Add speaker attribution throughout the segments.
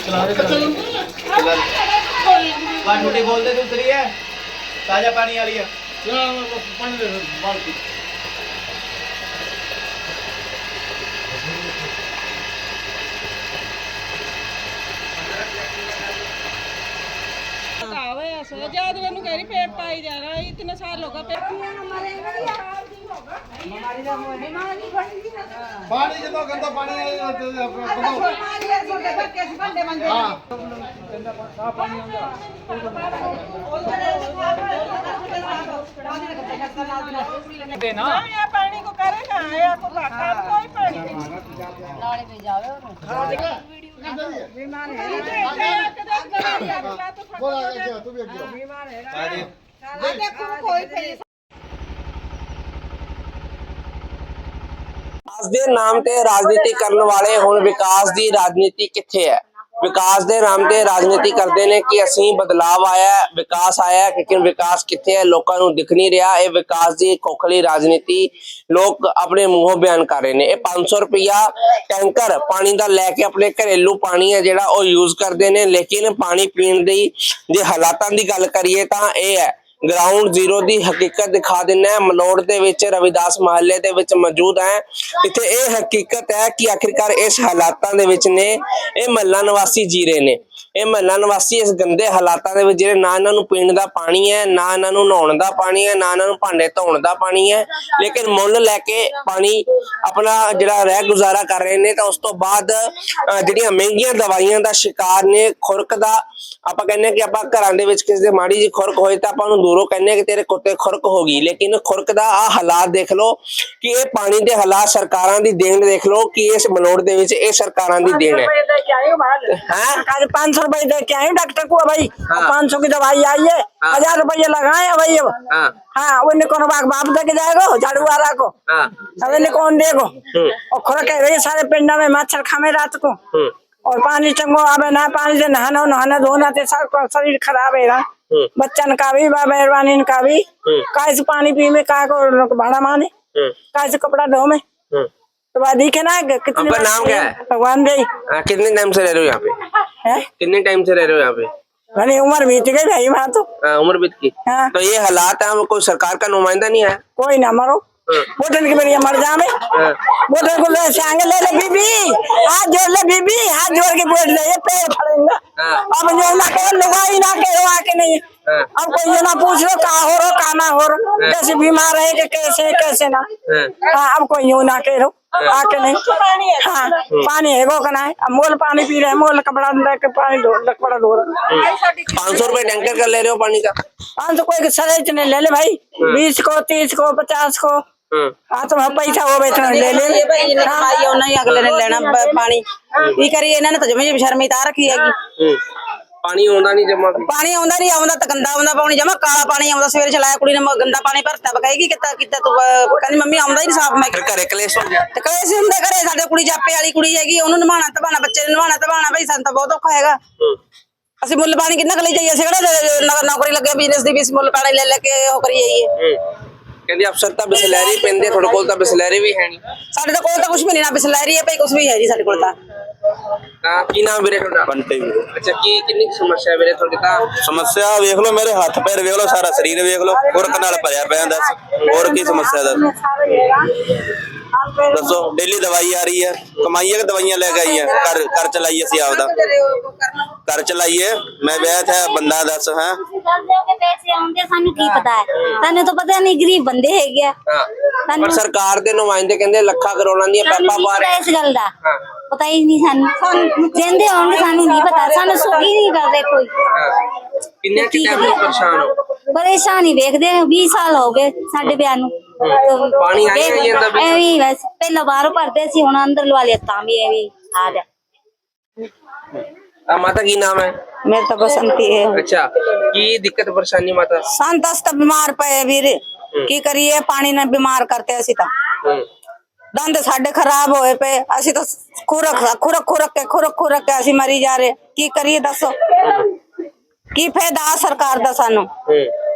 Speaker 1: टूटी बोल दे दूसरी है ताजा पानी वाली है पानी दे बाल्टी
Speaker 2: जद मैं कह रही पेट पाई जा रहा है इतने साल होगा
Speaker 3: पानी जो गंदा पानी
Speaker 2: पानी को करे ना कोई पानी नाले में जावे बीमार है
Speaker 3: तू भी
Speaker 2: बीमार है कोई
Speaker 4: विकास ਦੇ ਨਾਮ ਤੇ ਰਾਜਨੀਤੀ ਕਰਨ ਵਾਲੇ ਹੁਣ ਵਿਕਾਸ ਦੀ ਰਾਜਨੀਤੀ ਕਿੱਥੇ ਹੈ। ਵਿਕਾਸ ਦੇ ਨਾਮ ਤੇ ਰਾਜਨੀਤੀ ਕਰਦੇ ਨੇ ਕਿ ਅਸੀਂ ਬਦਲਾਵ ਆਇਆ ਵਿਕਾਸ ਆਇਆ ਲੇਕਿਨ ਵਿਕਾਸ ਕਿੱਥੇ ਹੈ ਲੋਕਾਂ ਨੂੰ ਦਿਖ ਨਹੀਂ ਰਿਹਾ। ਇਹ ਵਿਕਾਸ ਦੀ ਖੋਖਲੀ ਰਾਜਨੀਤੀ ਲੋਕ ਆਪਣੇ ਮੂੰਹੋਂ ਬਿਆਨ ਕਰ ਰਹੇ ਨੇ। ਇਹ 500 ਰੁਪਇਆ ਟੈਂਕਰ ਪਾਣੀ ਦਾ ਲੈ ਕੇ ਆਪਣੇ ਘਰੇਲੂ ਪਾਣੀ ਹੈ ਜਿਹੜਾ ਉਹ ਯੂਜ਼ ਕਰਦੇ ਨੇ ਲੇਕਿਨ ਪਾਣੀ ਪੀਣ ਦੀ ਜੇ ਹਾਲਾਤਾਂ ਦੀ ਗੱਲ ਕਰੀਏ ਤਾਂ ਇਹ ਹੈ। ग्राउंड जीरो की हकीकत दिखा देना है। मलोड़ दे विच रविदास महल्ले दे विच मौजूद है। इत्थे ये हकीकत है कि आखिरकार इस हालातां दे विच ने ये महल्ला निवासी जी रहे ने। ये महल्ला निवासी इस गंदे हालातां दे विच जिहड़े ना इन्हां नूं पीण दा पानी है ना इन्हां नूं नहाउण दा पानी है ना इन्हां नूं भांडे धोण दा पानी है लेकिन मुल लैके पानी अपना जिहड़ा रह गुजारा कर रहे ने। तो उस तो बाद जिहड़ियां महंगियां दवाइयां दा शिकार ने खुरक दा आपां कहने कि आपां घरां दे विच किसे दे माड़ी जी खुरक होए तां आपां नूं दूरों कहने कि तेरे कुत्ते खुरक हो गई लेकिन खुरक दा आ हालात देख लो कि ये पानी दे हालात सरकारां दी देन देख लो कि इस मलोड़ दे विच ये सरकारां दी देन है।
Speaker 2: 500 रुपए दे के आई डॉक्टर को भाई 500 की दवाई आई है 1000 रुपये लगाए भाई अब हाँ उन्हें कौन बाप दे के जाएगा झाड़ू वाला को अब इन्हें कौन देगो और खुरक है सारे पिंडा में मच्छर खामे रात को और पानी चंगो आवे ना पानी से नहाना धोना ते शरीर खराब है बच्चन का भी मेहरबानी का भी काय से पानी पी में काय को भाड़ा माने काय से कपड़ा धो में तो बात दिखे ना कितने
Speaker 4: आपका नाम क्या है?
Speaker 2: भगवान दे
Speaker 4: कितने टाइम से रह रहे हो यहाँ पे है? कितने टाइम से रह रहे हो यहाँ पे?
Speaker 2: मैंने उम्र बीत गई भाई वहाँ तो
Speaker 4: उम्र बीत गई।
Speaker 2: हाँ।
Speaker 4: तो ये हालात है कोई सरकार का नुमाइंदा नहीं है
Speaker 2: कोई ना मरो बोतल की मेरी मर जावे बोतल को ले आगे ले बीबी हाथ जोड़ ले बीबी हाथ जोड़ के बोल ले ये पैर फड़ेंगे अब जो ना करो लुगाई ना करो आके नहीं अब कोई ये ना पूछ लो का हो रो का ना हो रो कैसे बीमार है कि कैसे ना हाँ अब कोई यूं ना करो आके नहीं हाँ पानी है वो करना है अब मोल पानी पी रहे मोल कपड़ा के पानी कपड़ा धो रहा
Speaker 4: 500 रुपए टैंकर का ले रहे हो पानी का
Speaker 2: 500 कोई सरे इतने ले ले भाई 20 को 30 को 50 को हाँ तो पैसा हो बेचना ले ले
Speaker 5: नहीं अगले ने लेना पानी की करिए इन्होंने तो जमी शर्मी ता रखी हैगी
Speaker 4: पानी आंदा नहीं जमा
Speaker 5: पानी आंदा नहीं आंदा तो गंदा आंदा पानी जमा काला पानी आंदा सवेरे चलाया कुड़ी ने गंदा पानी भरता कहेगी किता किता तू कहंदी मम्मी आंदा ही नहीं साफ मैं
Speaker 4: घरे कलेश हो गया
Speaker 5: ते कलेश हुंदे घरे साडे कुड़ी जापे वाली कुड़ी हैगी ओनू नवाना तवाना बच्चे नवाना तवाना भाई सन तो बहुत औखा हैगा ਅਸੀਂ ਮੁੱਲ ਪਾਣੀ ਕਿੰਨਾ ਕਲੀ ਜਾਈਏ ਅਸੀਂ ਕਿਹੜਾ ਨੌਕਰੀ ਲੱਗੇ ਬਿਜ਼ਨਸ ਦੀ ਵੀ ਮੁੱਲ ਪਾਣੀ ਲੈ ਲੈ ਕੇ ਉਹ ਕਰੀ ਜਾਈਏ
Speaker 4: ਕਹਿੰਦੀ ਅਫਸਰ ਤਾਂ ਬਿਸਲੈਰੀ ਪੈਂਦੇ ਤੁਹਾਡੇ ਕੋਲ ਤਾਂ ਬਿਸਲੈਰੀ ਵੀ ਹੈ ਨਹੀਂ
Speaker 5: ਸਾਡੇ ਕੋਲ ਤਾਂ ਕੁਝ ਵੀ ਨਹੀਂ ਨਾ ਬਿਸਲੈਰੀ ਹੈ ਭਾਈ ਕੁਝ ਵੀ ਹੈ ਜੀ ਸਾਡੇ ਕੋਲ ਤਾਂ
Speaker 4: ਹਾਂ ਕੀ ਨਾਮ ਵੀਰੇ ਤੁਹਾਡਾ
Speaker 6: ਬੰਟੇ ਵੀਰੇ
Speaker 4: ਅੱਛਾ ਕੀ ਕਿੰਨੀ ਸਮੱਸਿਆ ਵੀਰੇ ਤੁਹਾਡੇ ਤਾਂ
Speaker 6: ਸਮੱਸਿਆ ਵੇਖ ਲਓ ਮੇਰੇ ਹੱਥ ਪੈਰ ਵੇਖ ਲਓ ਸਾਰਾ ਸਰੀਰ ਵੇਖ ਲਓ ਖੁਰਕ ਨਾਲ ਭਰਿਆ ਪਿਆ ਦੱਸ ਹੋਰ ਕੀ ਸਮੱਸਿਆ ਦੱਸ ਦੱਸੋ ਡੇਲੀ ਦਵਾਈ ਆ ਰਹੀ ਹੈ ਕਮਾਈਏ ਕਿ ਦਵਾਈਆਂ ਲੈ ਕੇ ਆਈਏ ਕਰ ਚਲਾਈਏ ਅਸੀਂ ਆਪਦਾ ਕਰ ਚਲਾਈਏ ਮੈਂ ਵਿਆਹ ਥਾ ਬੰਦਾ ਦੱਸ ਹਾਂ
Speaker 7: ਪੈਸੇ ਆਉਂਦੇ ਸਾਨੂੰ ਕੀ ਪਤਾ ਹੈ ਸਾਨੂੰ ਤਾਂ ਪਤਾ ਨਹੀਂ ਗਰੀਬ ਬੰਦੇ ਹੈਗੇ ਆ
Speaker 4: ਪਰ ਸਰਕਾਰ ਦੇ ਨੁਮਾਇੰਦੇ ਕਹਿੰਦੇ ਲੱਖਾਂ ਕਰੋੜਾਂ ਦੀਆਂ ਪੈਪਾਂ ਪਾ ਰਹੇ
Speaker 7: ਇਸ ਗੱਲ ਦਾ ਪਤਾ ਹੀ ਨਹੀਂ ਸਾਨੂੰ ਜਿੰਦੇ ਹੋਣਗੇ ਸਾਨੂੰ ਨਹੀਂ ਪਤਾ ਸਾਨੂੰ ਸੋਈ ਨਹੀਂ ਕਰਦੇ ਕੋਈ
Speaker 4: ਕਿੰਨੇ ਟਾਈਮ ਤੋਂ ਪਰੇਸ਼ਾਨ ਹੋ
Speaker 7: ਪਰੇਸ਼ਾਨੀ ਵੇਖਦੇ 20 ਸਾਲ ਹੋ ਗਏ ਸਾਡੇ ਵਿਆਹ ਨੂੰ
Speaker 4: ਪਾਣੀ ਆਈ ਨਹੀਂ ਜਾਂਦਾ ਵੀ
Speaker 7: ਐਵੇਂ ਬਸ ਪਹਿਲਾਂ ਬਾਹਰੋਂ ਭਰਦੇ ਸੀ ਹੁਣ ਅੰਦਰ ਲਵਾ ਲਿਆ ਤਾਂ ਵੀ ਐਵੇਂ ਆ ਗਿਆ
Speaker 4: माता की नाम है
Speaker 5: मेरे तो बसंती है
Speaker 4: अच्छा की दिक्कत परेशानी माता
Speaker 5: संतस तो बीमार पे वीर की करिए पानी ने बीमार करते असी तो दंद साडे खराब होए पे असी तो खुरक के असी मरी जा रहे की करिए दसो की फायदा सरकार दा सानू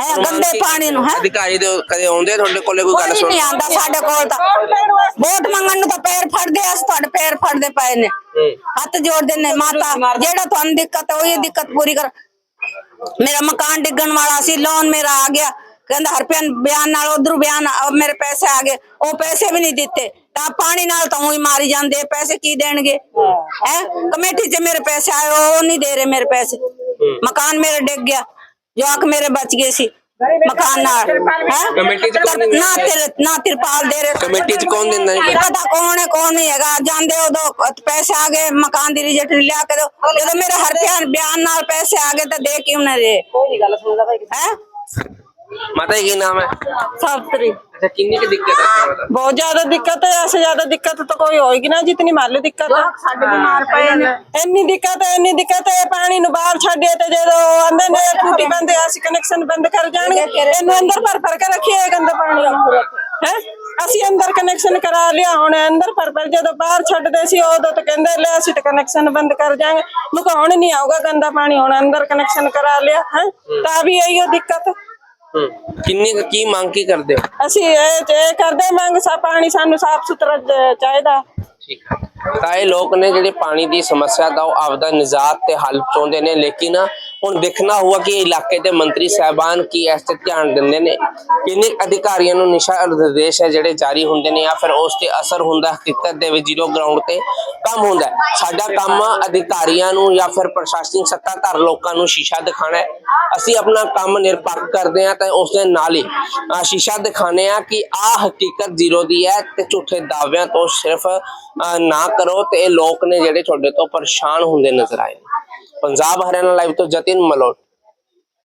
Speaker 5: ਹੈ ਗੰਦੇ ਪਾਣੀ ਨੂੰ ਹੈ
Speaker 4: ਅਧਿਕਾਰੀ ਦੇ ਕਦੇ ਆਉਂਦੇ ਤੁਹਾਡੇ ਕੋਲੇ ਕੋਈ ਗੱਲ
Speaker 5: ਕੋਈ
Speaker 4: ਸੁਣ
Speaker 5: ਨਹੀਂ ਆਂਦਾ ਸਾਡੇ ਕੋਲ ਤਾਂ ਵੋਟ ਮੰਗਣ ਨੂੰ ਤਾਂ ਪੈਰ ਫੜਦੇ ਆ, ਅਸੀਂ ਤੁਹਾਡੇ ਪੈਰ ਫੜਦੇ ਪਏ ਨੇ, ਹੱਥ ਜੋੜਦੇ ਨੇ ਮਾਤਾ ਜਿਹੜਾ ਤੁਹਾਨੂੰ ਦਿੱਕਤ ਹੈ ਉਹੀ ਦਿੱਕਤ ਪੂਰੀ ਕਰ। ਮੇਰਾ ਮਕਾਨ ਡਿੱਗਣ ਵਾਲਾ ਸੀ, ਲੋਨ ਮੇਰਾ ਆ ਗਿਆ, ਕਹਿੰਦਾ ਹਰਪਿਆਨ ਬਿਆਨ ਨਾਲ ਉਧਰੋਂ ਬਿਆਨ ਮੇਰੇ ਪੈਸੇ ਆ ਗਏ, ਉਹ ਪੈਸੇ ਵੀ ਨਹੀਂ ਦਿੱਤੇ ਤਾਂ ਪਾਣੀ ਨਾਲ ਤਾਂ ਉਹੀ ਮਾਰੀ ਜਾਂਦੇ, ਪੈਸੇ ਕੀ ਦੇਣਗੇ ਹੈ। ਕਮੇਟੀ 'ਚ ਮੇਰੇ ਪੈਸੇ ਆਏ ਉਹ ਨਹੀਂ ਦੇ ਰਹੇ ਮੇਰੇ ਪੈਸੇ, ਮਕਾਨ ਮੇਰਾ ਡਿੱਗ ਗਿਆ, ਜਵਾਕ ਮੇਰੇ ਬਚ ਗਏ ਸੀ ਮਕਾਨ ਨਾਲ ਹੈ।
Speaker 4: ਕਮੇਟੀ 'ਚ ਕੌਣ ਦਿੰਦਾ?
Speaker 5: ਨਾ ਤਿਰਪਾਲ ਦੇ ਰਹੇ
Speaker 4: ਕਮੇਟੀ 'ਚ ਕੌਣ ਦਿੰਦਾ ਜੀ?
Speaker 5: ਪਤਾ ਕੌਣ ਹੈ ਕੌਣ ਨਹੀਂ ਹੈਗਾ, ਜਾਂਦੇ ਉਦੋਂ ਪੈਸੇ ਆ ਗਏ ਮਕਾਨ ਦੀ ਰਜਿਸਟਰੀ ਲਿਆ ਕੇ ਦੋ, ਜਦੋਂ ਮੇਰੇ ਹਰ ਬਿਆਨ ਨਾਲ ਪੈਸੇ ਆ ਗਏ ਤਾਂ ਦੇ ਕਿਉਂ ਨਾ ਰਹੇ ਹੈ।
Speaker 4: माता जी की नाम है?
Speaker 2: सावित्री।
Speaker 4: अच्छा कितनी की दिक्कत है आपको बता?
Speaker 2: बहुत ज्यादा दिक्कत है, ऐसे ज्यादा दिक्कत तो कोई होगी ना जितनी मान लो दिक्कत है। ਇੰਨੀ ਦਿੱਕਤ ਹੈ ਪਾਣੀ ਨੂੰ ਬਾਹਰ ਛੱਡੇ ਤੇ ਜਦੋਂ ਆਂਦੇ ਨੇ ਟੂਟੀ ਬੰਦ ਆ ਅਸੀਂ ਕਨੈਕਸ਼ਨ ਬੰਦ ਕਰ ਜਾਣਗੇ, ਇਹਨੂੰ ਅੰਦਰ ਭਰ ਕੇ ਰੱਖਿਆ ਗੰਦਾ ਪਾਣੀ ਹੈ। ਅਸੀਂ ਅੰਦਰ ਕਨੈਕਸ਼ਨ ਕਰਾ ਲਿਆ, ਹੁਣ ਅੰਦਰ ਭਰ ਜਦੋਂ ਬਾਹਰ ਛੱਡਦੇ ਸੀ ਉਦੋਂ ਤਾਂ ਕਹਿੰਦੇ ਲੈ ਅਸੀਂ ਤਾਂ ਕਨੈਕਸ਼ਨ ਬੰਦ ਕਰ ਜਾਾਂਗੇ, ਮੁਕਾਉਣ ਨਹੀਂ ਆਊਗਾ ਗੰਦਾ ਪਾਣੀ, ਹੁਣ ਅੰਦਰ ਕਨੈਕਸ਼ਨ ਕਰਾ ਲਿਆ ਹੈ ਤਾਂ ਵੀ ਇਹੀ ਦਿੱਕਤ।
Speaker 4: ਕਿੰਨੀ ਕੀ ਮੰਗ ਕੀ ਕਰਦੇ ਹੋ?
Speaker 2: ਅਸੀਂ ਇਹ ਕਰਦੇ ਮੰਗ ਪਾਣੀ ਸਾਨੂੰ ਸਾਫ ਸੁਥਰਾ ਚਾਹੀਦਾ।
Speaker 4: ਠੀਕ ਹੈ ਤਾਂ ਇਹ ਲੋਕ ਨੇ ਜਿਹੜੇ ਪਾਣੀ ਦੀ ਸਮੱਸਿਆ ਦਾ ਉਹ ਆਪਦਾ ਨਿਜਾਤ ਤੇ ਹੱਲ ਚਾਹੁੰਦੇ ਨੇ, ਲੇਕਿਨ ਹੁਣ ਦੇਖਣਾ ਹੋਊਗਾ ਕਿ ਇਲਾਕੇ ਦੇ ਮੰਤਰੀ ਸਾਹਿਬਾਨ ਕੀ ਇਸ ਤੇ ਧਿਆਨ ਦਿੰਦੇ ਨੇ, ਕਿੰਨੇ ਅਧਿਕਾਰੀਆਂ ਨੂੰ ਨਿਸ਼ਾ ਨਿਰਦੇਸ਼ ਹੈ ਜਿਹੜੇ ਜਾਰੀ ਹੁੰਦੇ ਨੇ ਜਾਂ ਫਿਰ ਉਸ ਤੇ ਅਸਰ ਹੁੰਦਾ ਹਕੀਕਤ ਦੇ ਵਿੱਚ ਜ਼ੀਰੋ ਗਰਾਊਂਡ ਤੇ ਕੰਮ ਹੁੰਦਾ। ਸਾਡਾ ਕੰਮ ਅਧਿਕਾਰੀਆਂ ਨੂੰ ਜਾਂ ਫਿਰ ਪ੍ਰਸ਼ਾਸਨਿਕ ਸੱਤਾਧਾਰ ਲੋਕਾਂ ਨੂੰ ਸ਼ੀਸ਼ਾ ਦਿਖਾਣਾ ਹੈ। ਅਸੀਂ ਆਪਣਾ ਕੰਮ ਨਿਰਪੱਖ ਕਰਦੇ ਹਾਂ ਤਾਂ ਉਸ ਦੇ ਨਾਲ ਹੀ ਸ਼ੀਸ਼ਾ ਦਿਖਾਣੇ ਆ ਕਿ ਆਹ ਹਕੀਕਤ ਜ਼ੀਰੋ ਦੀ ਹੈ ਤੇ ਝੂਠੇ ਦਾਅਵਿਆਂ ਤੋਂ ਸਿਰਫ ਨਾ ਕਰੋ ਤੇ ਇਹ ਲੋਕ ਨੇ ਜਿਹੜੇ ਤੁਹਾਡੇ ਤੋਂ ਪਰੇਸ਼ਾਨ ਹੁੰਦੇ ਨਜ਼ਰ ਆਏ। पंजाब हरियाणा लाइव तो जतिन मलोट।